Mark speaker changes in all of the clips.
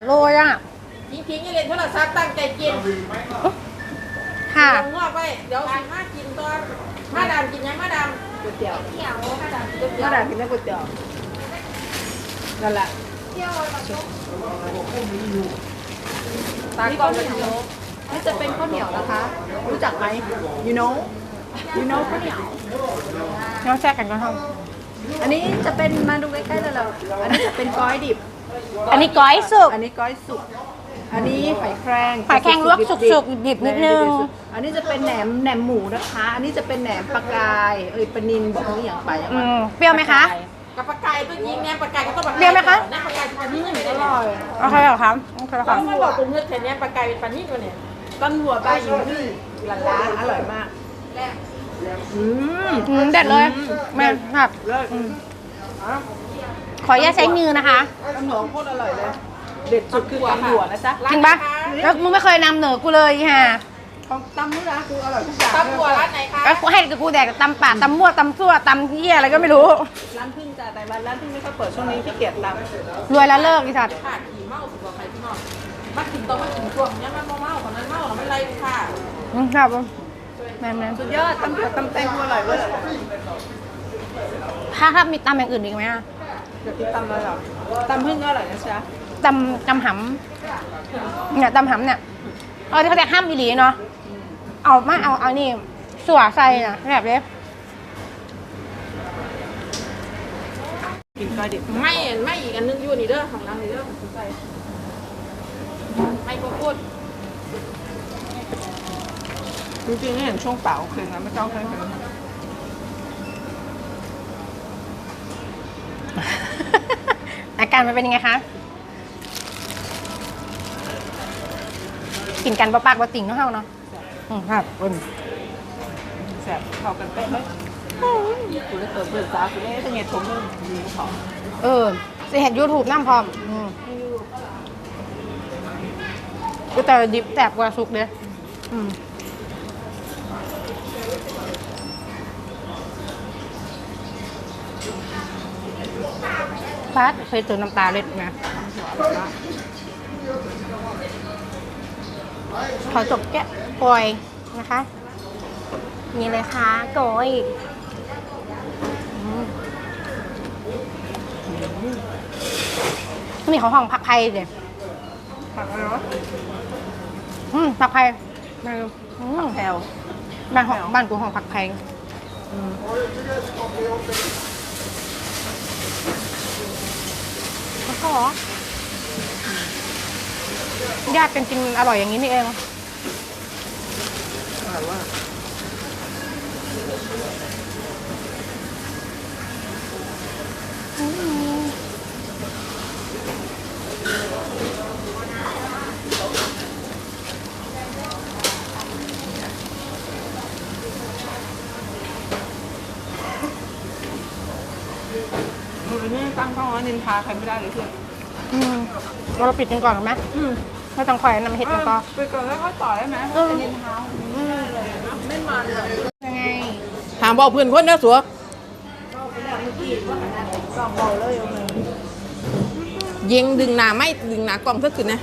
Speaker 1: โรยอ่ะ
Speaker 2: ทิ้งๆอย่าเล่นโทรศัพท์ตั้งใจกิน
Speaker 1: ค่ะ
Speaker 2: งอกไปเดี๋ยวมากินตอนมาดามกินยังมาดามก๋วยเตี๋ยวมาดามกินก๋วยเตี๋ยวมาดามกินได้ก๋วยเตี๋ยวนั่นแหละตากล้องเป็นโยกนี่จะเป็นข้าวเหนียวนะคะรู้จักไหม you know ข้าวเหนียว
Speaker 1: น้องแช่กันก็ท
Speaker 2: อันนี้จะเป็นมาดูใกล้ๆเลยเราอันนี้จะเป็นก้อยดิบ
Speaker 1: ำอันนี้ก้อยสุก
Speaker 2: อันนี้ก้อยสุกอันนี้ไข่แครง
Speaker 1: ไข่แข็งลวกสุกๆดิบนิดนึง
Speaker 2: อันนี้จะเป็นแหนมหมูนะคะ อันนี้จะเป็นแหนมปลากายปลานิลบอกนี่อย่างไปอย่างนั้น
Speaker 1: เปรี้ยวไหมคะ
Speaker 2: กับปลากายก็ยิงแหนมปลากายก็ต้อง
Speaker 1: เปรี้ยวไหมคะ
Speaker 2: แหนมปลากายเป็นปลานิ่มอร่อย
Speaker 1: โอเคเหรอครับโอเคเหรอค
Speaker 2: ต้
Speaker 1: รั
Speaker 2: อบ งมาบอกตรงเนื้อแค่แหนมปลากายเป็นปลานิ่มตัวเนี่ยต้นหัวปลาอยู่ที่ร้านอร่อยมาก
Speaker 1: เด็ดเลยแม่ครับ
Speaker 2: เลิศ
Speaker 1: ขออนุญาตใช้มือนะคะ
Speaker 2: ต้นหัวโคตรอร่อยเลยเด็ดสุดคือตำหัวนะจ๊ะ
Speaker 1: จริงปะแล้วมึงไม่เคยนำเหนือกูเลยค่ะ
Speaker 2: ของตำนี่นะคืออร่อยทุกอย่างตำหัวร้านไหนคะ
Speaker 1: แล้วกูให้กับกูแดกตำป่าตำมั่วตำซั่วตำเหี้ยอะไรก็ไม่รู้
Speaker 2: ร้านพึ่งจ้ะแต่ร้านพึ่งไม่ค่อยเปิดช่วงนี้ขี้เกียจตำ
Speaker 1: รวยแล้วเลิกอีสัตว์
Speaker 2: ขาดขี่เมาสุดกว่าใครที่นอกมากินต้องมากินช่วงนี้มันเมาคนนั้นเมาเราไม่ไล่ค่ะ
Speaker 1: ครับแม่
Speaker 2: สุดยอดตำหัวตำแตงอร่อยเว้ย
Speaker 1: ถ้ามีตำอย่างอื่นอีกไหมอะ
Speaker 2: เดี๋ยวกินตำอะไรหรอตำพึ่งก็อร่อยนะจ๊ะ
Speaker 1: ตำหำเนี่ยตำหำเนี่ยที่เขาจะห้ามอีหลีเนาะเอานี่สัวใส่นะแบบนี้
Speaker 2: กินก้อยดิบไม่อีกอันนึงอยู่นี่เด้อของนางนี่เด้อสนใจไม่ก็พูดจริงๆนี่เห็นช่วงเปล่าคืนนะไม่ต้องใช้คืน
Speaker 1: อาการมันเป็นยังไงคะกินกันปะปากปะติ่งเนาะเฮาเนาะครับ
Speaker 2: แสบเข้ากันเป๊ะเลยคุณได้เปิดเปิดตาคุณได้ตั้งไงชมเรื่องดีของ
Speaker 1: จะเห็น YouTube น้ำพร้อมก็แต่ดิบแสบกว่าสุกเด้พัดเคยตื่นน้ำตาเล็ดนะขอจบแกะปล่อยนะคะนี่เลยค่ะโกยนี่ของห้องผักไผ่เดี๋ยว
Speaker 2: ผักอะไรวะ
Speaker 1: ผักไผ่มาดู
Speaker 2: แพลว
Speaker 1: บ้านกูห้องผักไผ่แล้วก็ญาติกันกินอร่อยอย่างนี้นี่เอง
Speaker 2: อร่อยว่านี่ตั้งข้าวนินทาใครไม่ได้เลยเพื่อน
Speaker 1: เราปิดกันก่อนหรือไหมไม่ต้องคอยนำเห็ดกันก็
Speaker 2: ไปก่อนแล้วก็ต่อได้ไหมนินทาไม่มาเลย
Speaker 1: ยังไง
Speaker 2: ถามบอกเพื่อนคนนะสัวยิงดึงหนาไม่ดึงหนากล่องเท่าขึ้นนะ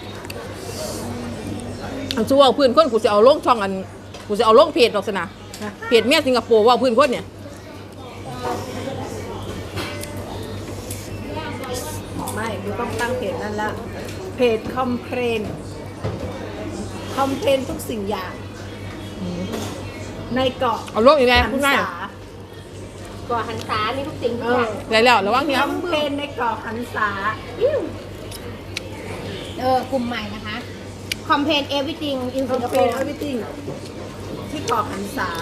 Speaker 2: อันสัวเพื่อนคนกูจะเอาลงช่องอันกูจะเอาลงเพจดอกสนะเพจเมียสิงคโปร์ว่าเพื่อนคนเนี่ยไม่กูต้องตั้งเพจนั่นละเพจคอมเพลนทุกสิ่งอย่างในเกาะเอาลงอีกไงพูดง่าย
Speaker 1: ก่อหันษามีทุกสิ่งทุกอย่าง
Speaker 2: แล้วระวังเนี้ย
Speaker 1: คอมเพลนในเกาะหันษากลุ่มใหม่นะคะคอมเพลน everything in
Speaker 2: คอมเพล
Speaker 1: Singapore
Speaker 2: นeverything ที่เกาะหันษา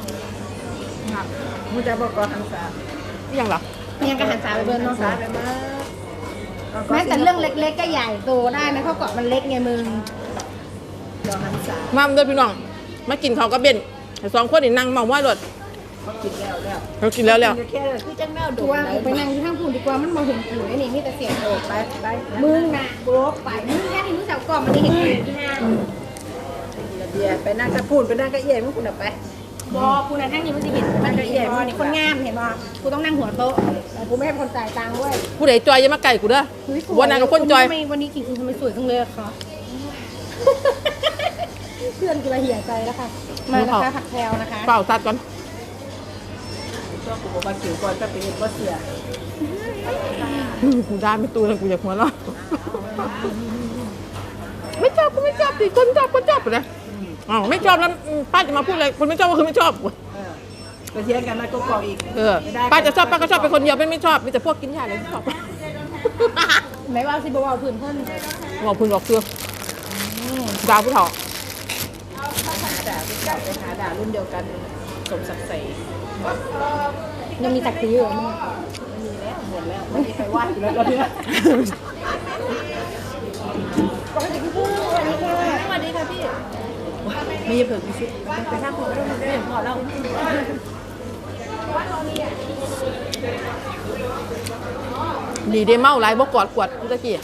Speaker 2: มึงจะบอกเกาะหันษายังหรอ
Speaker 1: ยังกับหันษาไปเบิร์นเนาะ
Speaker 2: ไปมาก
Speaker 1: แม้แต่เรื่องเล็กๆก็ใหญ่โตได้นะเพราะเกาะมันเล็กไงมึง
Speaker 2: เกาะหันษามาด้วยพี่น้องมากินข้าวกับเบนแต่สองคนนี่นั่งมองว่ารถเรากินแล้ว
Speaker 1: แค่คือจังแมวดูว่าไปนั่งที่ข้างพูนดีกว่ามันมองเห็นผีไอ้นี่มีแต่เสียงโดดไปมึงน่ะโบกไปมึงแค่ที่มึงเสาก่อนมันได้เห็นผีที่ห้าง
Speaker 2: เดี๋ยวไปนั่งกระพูนไปนั่งกระเอียดมึงคุณเอาไป
Speaker 1: บอกูนะทั้งนี้มันจะเห็นมันจะเห็นบอนี่คนงามเห็นบอกูต้องนั่งหัวโต๊ะแต่กูไม่ให้คนจ่ายตังค์ด้วย
Speaker 3: ผู้ใดจอยอย่ามาไก่กูเด้อวันนั้นกับคนจอย
Speaker 1: ทำไมวันนี้กิ่งทำไมสวยจังเลยอะคะ เพื่อนกูละเหี่ยใจแล้วค่ะมานะคะผักแพรวนะคะ
Speaker 3: เปล่าตัดก่อน
Speaker 2: ตัวกูบอกว่าขิวก่อนจะเป็นก็เสีย
Speaker 3: กูได้ไม่ตูเลยกูอยากหัวเราะไม่ชอบกูไม่ชอบดิคนชอบคนชอบไปเลยอ๋อไม่ชอบแล้วป้าจะมาพูดอะไรคนไม่ชอบก็คือไม่ชอบ
Speaker 2: ไปเที่ยงกันนะก็กอกอีก
Speaker 3: ป้าจะชอบป้าก็ชอบเป็นคนเดียวไม่ชอบมีแต่พวกกินยาเลยที่ชอบ
Speaker 1: ไม่ว่าสิบว่าผื่นเพิ่น
Speaker 3: บอกพึ่งบอกเพื่อดาวผู้เฒ่า
Speaker 2: ไปหาด่ารุ่นเดียวกันสมศักดิ์ศรี
Speaker 1: ยังมีศักดิ์ศรีอยู่มั้ย
Speaker 2: ไม่มีแล้วหมดแล้วไม่มีใครว่าอยู่แล้วตอนนี้
Speaker 1: ปกติพี่พูดสวัสดีค่ะ
Speaker 2: สวัสดีค่ะพี่มีเผื่อมีชุดไปสร้างคนร่วมได้พอแล้ว
Speaker 3: ดีเดเมาไรบ่กอดขวดตะกี้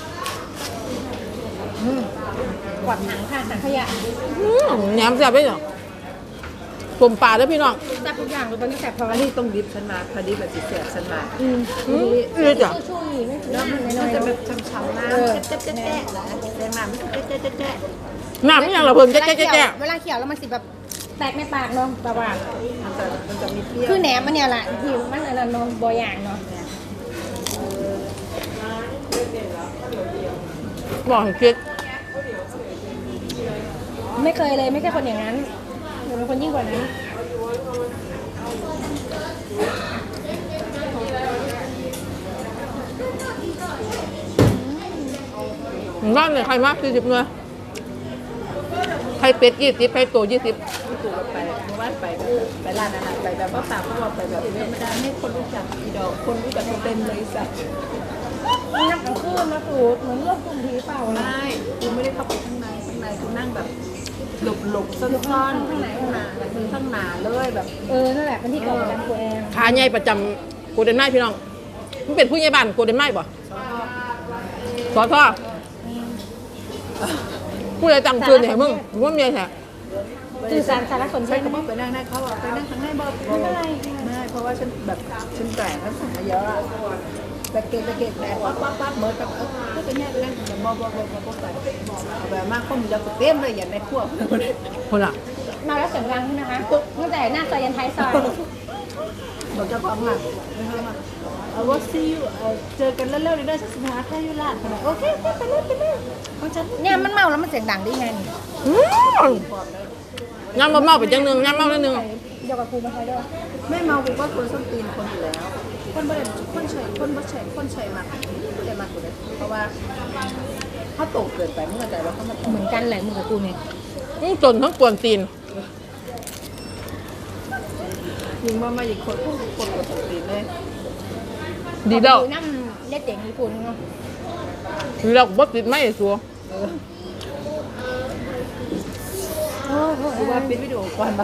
Speaker 1: กวาดถังค่ะถังขยะ
Speaker 3: แหนมแซ่บเลยเนาะสมปลาเด้อพี่น้อง
Speaker 1: จับทุกอย่างเลยตอนนี้แสบท้อง
Speaker 2: อันนี้ต้องดิฟฉันมาพอดีแบบสิเสียฉันมา
Speaker 3: นี่จ้ะ
Speaker 1: ช่วงนี้ไม่ถึง
Speaker 2: แล้ว
Speaker 1: น้ำ
Speaker 2: มัน
Speaker 1: น้อย
Speaker 2: จะแบบช้ำๆน้ำเจ๊ะๆๆนะแดงน้ำเจ๊ะๆ
Speaker 3: น้ำนี่ยังเราเพิ่งแจ๊ะ
Speaker 1: เวลาเขียวแล้วมันสิแบบแตกในปากเนาะแต่ว่า
Speaker 2: มันจะมีเปรี้ยว
Speaker 1: คือแหนมมันเนี่ยแหละที่มันอะไรเนาะบออย่างเนาะ
Speaker 3: บอกให้คิด
Speaker 1: ไม่เคยเลยไม่ใช่คนอย่างนั้นหนูเป็นคนยิ่งกว่านั้น
Speaker 3: บ้านเนี่ยใครมาก40เลยใครเป็ด20ใครโต20
Speaker 2: ตู่ไปเมื่อวานไปร้านอาหารไปแบบว่าปากพวกไปแบบธรรมดาให้คนรู้จักอีดอกคนรู้จักเต็มเลยสัตว์
Speaker 1: นักกลางคืนนะสูตรเหมือนเลือกกลุ่มผีเปล่านะ
Speaker 2: ไม่กูไม่ได้เข้าไปข้างในกูนั่งแบบหลบซ่อนๆข้างในข้างหน้าแบบข้างหน้าเลยแบบ
Speaker 1: นั่นแหละเป็นที่เกิดของตัวเอง
Speaker 3: ขาใหญ่ประจำโกลเด้นไม้พี่น้องมันเป็นผู้ใหญ่บ้านโกลเด้นไม้บ่สอทอผู้ใดตั้งคืนเนี่ยมึงว่าเมียแท้
Speaker 1: สื่อสารสารสนเท
Speaker 2: ใช่
Speaker 1: ศ
Speaker 2: ก็บอกไปนั่งได้เขาบอกไปนั่งข้างในบอกไม่เป็นไรไม่เพราะว่าฉันแบบฉันแก่แล้วสั่งมาเยอะอะแต่เกตแต่ปั๊บเหมือนกับก็จะแยกไปนั่งแบบบอกไปแบบมากคนมีแล้วเต็มเลยอย่างในพวก
Speaker 3: คนละ
Speaker 1: มาแล้วเสียงดังใช่ไหมคะตั้งแต่หน้าซอยยันท้ายซอย
Speaker 2: บอกเจ้าของอ่ะว่าซีอูเจอกันเร็วๆได้สัก15ค่ายุราชโอเคไปเลยของฉัน
Speaker 1: เนี่ยมันเมาแล้วมันเสียงดังได้ไงนี่
Speaker 3: ย่ำเมาไปจังนึงย่ำเมาแล้วนึง
Speaker 1: เดี๋ยวกับครูมาใช้ด้วย
Speaker 2: ไม่เมากูก็คนส้นตีนคนอยู่แล้วคนบ่ได้คนใช้คนใช้มากไม่ได้มากกูเลยเพราะว่าเขาโตเกินไปเมื่อแต่ว่าเขามา
Speaker 1: เหมือนกันแหละมึงกับกูเนี่ย
Speaker 3: จนทั้งกวนตีน
Speaker 2: ยิงมาอีกคนพูดคนกดส้นตีนเลย
Speaker 3: ดีแล้ว
Speaker 1: น้ำเล็ดเจ๋งญี่ปุ่นเนาะ
Speaker 3: ดีแล้วบ่ติดไม่สัว
Speaker 2: กูว่าปิดวิดีโอก่อนบ้าง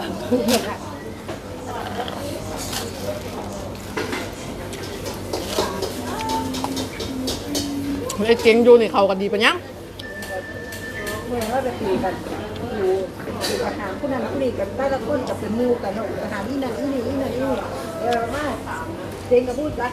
Speaker 3: ไอ้เจ๋งอยู่นี่เขากันดีปะยัง
Speaker 2: เมื่อเราจะคุยกันอยู่อาหารผู้นั้นผู้นี้กันแต่ละคนกับเป็นมูกันเนาะอาหารนี่นั่นนี่มาเจงกับพูดจัก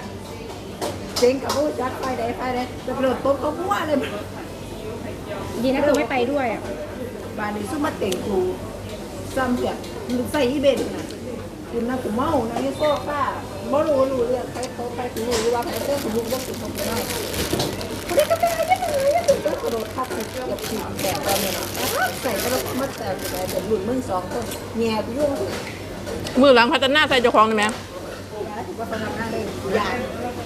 Speaker 2: ไปได้จะเปิดโต๊ะเขาพูดอะไร
Speaker 1: ดีนะคือไม่ไปด้วยอ่ะ
Speaker 2: บ้านนี้ซุ่มมาเต่งกูซ้ำเสียใส่อีเบนนะคุณนะกูเมานะนี่โซ่ป้าบ่รู้เรื่องใครเขาใครกูรู้ว่าใครเจ้ากูรู้ว่ากูทำไม่ได้คนนี้ก็ไม่ได้ก็กระโดดทับใส่กับฉีกแบบเราเนี่ยใส่ก็ต้องมัดแต่กูได้เป็นหลุดมึง2คนแง่กูยุ่ง
Speaker 3: มือหลังพัฒนาใส่เจ้าของได้ไหม
Speaker 2: ถือว่าเขาทำหน้าได้ยาก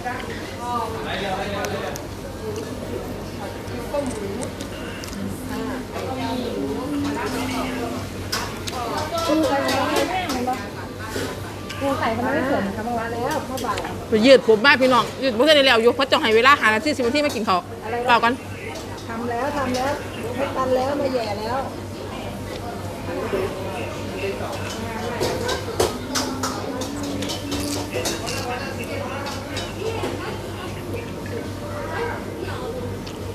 Speaker 1: กูใส่ทำไมไม่เขินคะเมื่อวาน
Speaker 2: แล้วพ่อบ่าย
Speaker 3: ไปยืดผมมากพี่น้องยืดบ่ทันได้แล้วอยู่เพราะเจ้าให้เวลาหานาที10นาทีมากินข้าวเปล่ากัน
Speaker 2: ทำแล้วไม่ตันแล้วไม่แย่แล้ว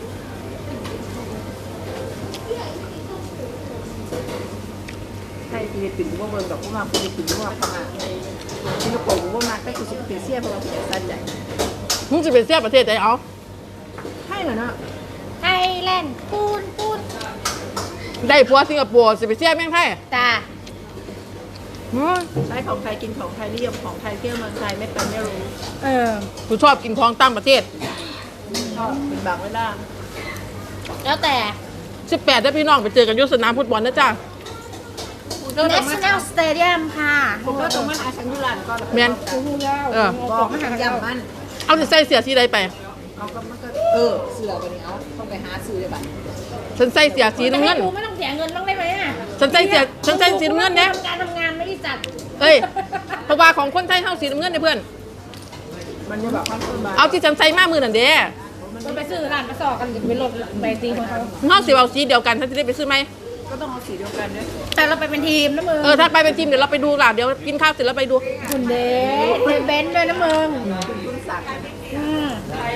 Speaker 2: ไข่ฟิลิปปินส์ว่าเบิ่งดอกว่ามาฟิลิปปินส์ว่าพม่าสิงคโปร์ว่ามาใกล้คือสิงคโปร์เซียเพราะว่าเป็นสัตว์ใหญ่
Speaker 3: มึงจะเป็นเสียประเทศไหนเอา
Speaker 2: ใช่เหรอเนาะ
Speaker 1: ไทยแลนด์ปูน
Speaker 3: ได้ผัวสิงคโปร์สิไปเสียแม่งไทย
Speaker 1: จ้า
Speaker 2: ใช้ของไทยกินของไทยนิยมของไทยเที่ยวเมืองไทยไม่เป็นไม่รู้
Speaker 1: เออ
Speaker 3: กูชอบกินของต่างประเทศ
Speaker 2: ชอบเป็นบางเวลา
Speaker 1: แล้วแต่
Speaker 3: 18ถ้าพี่น้องไปเจอกันอยุสนามฟุตบอลนะจ้า
Speaker 1: National Stadium ค่ะ
Speaker 2: ผมก็ตรงมันอาชังยุรันก็
Speaker 3: แม่น เออ
Speaker 2: บอกมันยำมัน
Speaker 3: เอาสิใส่เสียสีใดไป
Speaker 2: เอาก็มันก็เสือไปนี่เอาต้องไปหาซื้อเลยบัด
Speaker 3: ฉันใส่เสียสีน้ำเงิน
Speaker 1: จะให้ดูไม่ต้องเสียเงินบ้างได้ไหมอ่ะ
Speaker 3: ฉันใส่สีน้ำเงินเนี่ย
Speaker 1: การทำงานไม่ได้จัด
Speaker 3: เอ้ยเพราะว่าของคนไทยเท่าสีน้ำเงินเนี่ยเพื่อน
Speaker 2: มันจะแบบความต้นบา
Speaker 3: เอาที่ฉันใส่มามือนั่นเด้
Speaker 1: มันไปซื้อร้านกระสอบกันจะไปลดไปตีของเขา
Speaker 3: เฮาสิเอาสีเดียวกันฉันจะได้ไปซื้อไหม
Speaker 2: ก็ต้องเอาสีเดียวกันด้วย
Speaker 1: แต่เราไปเป็นทีมนะมึง
Speaker 3: ถ้าไปเป็นทีมเดี๋ยวเราไปดูล่ะเดี๋ยวกินข้าวเสร็จแล้วไปดู
Speaker 1: คุณเดชเป็นเบนซ์ด้วยนะมึง
Speaker 2: คุณศักดิ์
Speaker 1: อืม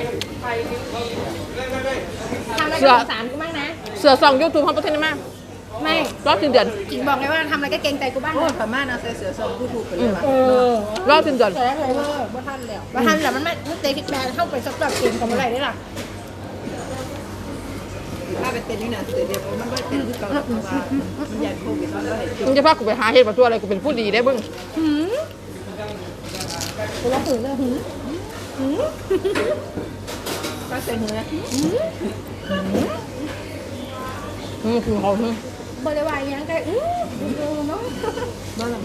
Speaker 1: ทำอะไรก็สงสารกูบ้างนะ
Speaker 3: เสือส่องยูทูบของประเทศนี้มาก
Speaker 1: ไม่
Speaker 3: รอบสิ้นเดือน
Speaker 1: กิ่งบอกไงว่าทำอะไรก็เกรงใจกูบ้าง
Speaker 2: โอ้
Speaker 1: นะ
Speaker 2: พม่านะใส่เสือสองผู้ถูกไปเลยว่ะ
Speaker 3: รอบสิ้นเดือน
Speaker 1: แต่เลยว่า
Speaker 2: ว่าท่านแล้ว
Speaker 1: ว่าทันแต่มันไม่เตะคิกแบนเข้าไปสักแบบเกมกับอะไรได้หรอ
Speaker 2: ถ้าเป็นเต็นนี่นะเดี๋ยวมันก็เต็นที่เก่าเพราะว่ามันยันโควิดมันก็เห็น
Speaker 3: มึงจะพากูไปหาเห็ดมาตัวอะไรกูเป็นผู้ดีได้เบึ้ง
Speaker 1: หืมกูร้องหืนเลยหืมหืม
Speaker 2: ก็ใส่เนื้อ
Speaker 3: คือเขา
Speaker 1: บริวารยังไงดูเนาะ
Speaker 2: บ้านหลัง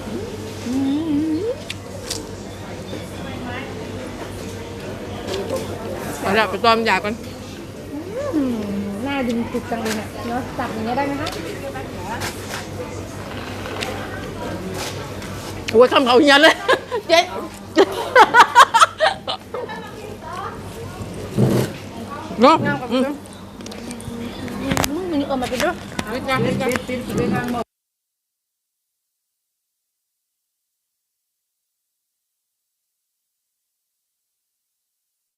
Speaker 3: เอาละไปตอมยากัน
Speaker 1: หน้าดึงจุดจังเลยเนี่ยเนาะจับอย่างเงี้ยได้ไหมคะ
Speaker 3: โอ้ยคำเขาเฮียเลยเจ๊เนาะ
Speaker 1: งามกับเพื่อนมึงมีเออมาเป็นด้วย
Speaker 3: วิจารณ์
Speaker 2: เป็นทางหมด